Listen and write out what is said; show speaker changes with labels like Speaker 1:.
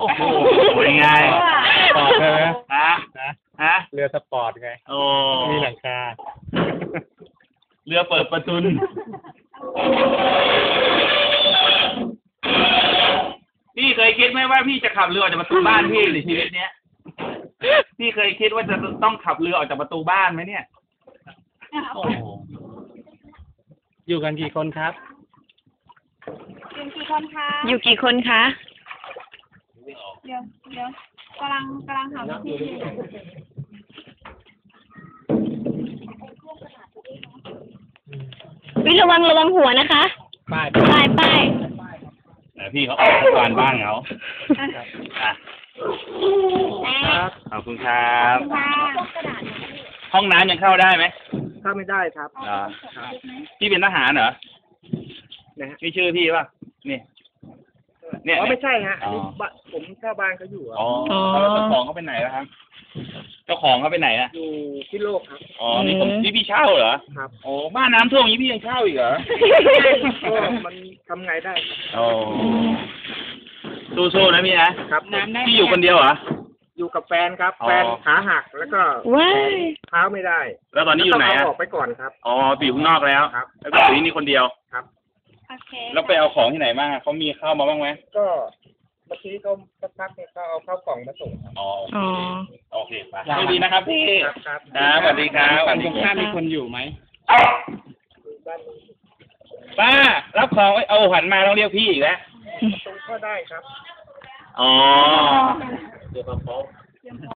Speaker 1: โอ้โหเป็นไง
Speaker 2: สปอร์ตใช่ไหม
Speaker 1: ฮะ
Speaker 2: นะ
Speaker 1: ฮะ
Speaker 2: เรือสปอร์ตไง
Speaker 1: โอ้
Speaker 2: มีหลังคา
Speaker 1: เรือเปิดประทุนพี่เคยคิดไหมว่าพี่จะขับเรือออกจากประตูบ้านพี่ในชีวิตเนี้ยพี่เคยคิดว่าจะต้องขับเรือออกจากประตูบ้านไหมเนี่ยโอ้โห
Speaker 2: อยู่กันกี่คนครับ
Speaker 3: อยู่กี่คนคะ
Speaker 4: อยู่กี่คนคะ
Speaker 3: เดี๋ยวกำลังหาวิธีอยู่
Speaker 4: วิระวังหัวนะคะ
Speaker 2: ป้าย
Speaker 4: ป้าย
Speaker 1: แต่พี่เขาออกทุกวันบ้านเขาอ่ะ
Speaker 2: ครับ
Speaker 1: ขอบคุณครับ
Speaker 3: ค่ะ
Speaker 1: ห้องน้ำยังเข้าได้ไหม
Speaker 2: ถ้าไม่ได้ครับ
Speaker 1: เหรอพี่เป็นทหารเหรอ
Speaker 2: นะฮะ
Speaker 1: นี่ชื่อพี่ป่ะนี่เนี่ย
Speaker 2: อ๋อไม่ใช่ฮะ
Speaker 1: อ๋อ
Speaker 2: นี่บ้านผมเช่าบ้านเขาอยู่อะ
Speaker 1: อ๋อแล้วเจ้าของเขาไปไหนแล้วครับ เจ้าของเขาไปไหนอ่ะ
Speaker 2: อยู่ที่โลกครับ
Speaker 1: อ๋อนี่พี่เช่าเหรอ
Speaker 2: ครับ
Speaker 1: โอ้บ้านน้ำท่วมอย่างนี้พี่ยังเช่าอีกเหรอ
Speaker 2: ก็มันทำไงได้ครับ
Speaker 1: โอ้สู้ๆนะพี่นะครับ
Speaker 2: น้ำได้
Speaker 1: พี่อยู่คนเดียวเหรอ
Speaker 2: อยู่กับแฟนครับ
Speaker 1: อ๋อ
Speaker 2: แฟนขาหักแล้วก็
Speaker 4: ว้าย
Speaker 2: เท้าไม่ได้
Speaker 1: แล้วตอนนี้อยู่ไหน
Speaker 2: ต้ง
Speaker 1: อ่ะ
Speaker 2: เาออกไปก่อนครับ
Speaker 1: อ๋อไปอยู่ข้างนอกแล้ว
Speaker 2: ครับ
Speaker 1: แล้วก็อยู่ที่นี่คนเดียว
Speaker 3: โอเค
Speaker 1: แล้วไปเอาของที่ไหนมาเขามีเข้ามาบ้างไหม
Speaker 2: ก็เมื่อกี้เขาสักพักเนี่ยเขาเอาข้าวกล่องมาส่งครับ
Speaker 1: อ๋อ
Speaker 4: อ๋อ
Speaker 1: โอเคไปโชคดีนะครับพี่
Speaker 2: ครับครับ
Speaker 1: ครับสวัสดีครับ
Speaker 2: ฝั่งตรงข้ามมีคนอยู่ไหม
Speaker 1: ป้ารับของไว้เอาหันมาต้องเรียกพี่อีกแล้ว
Speaker 2: ตรงก็ได้ครับ
Speaker 1: อ๋อ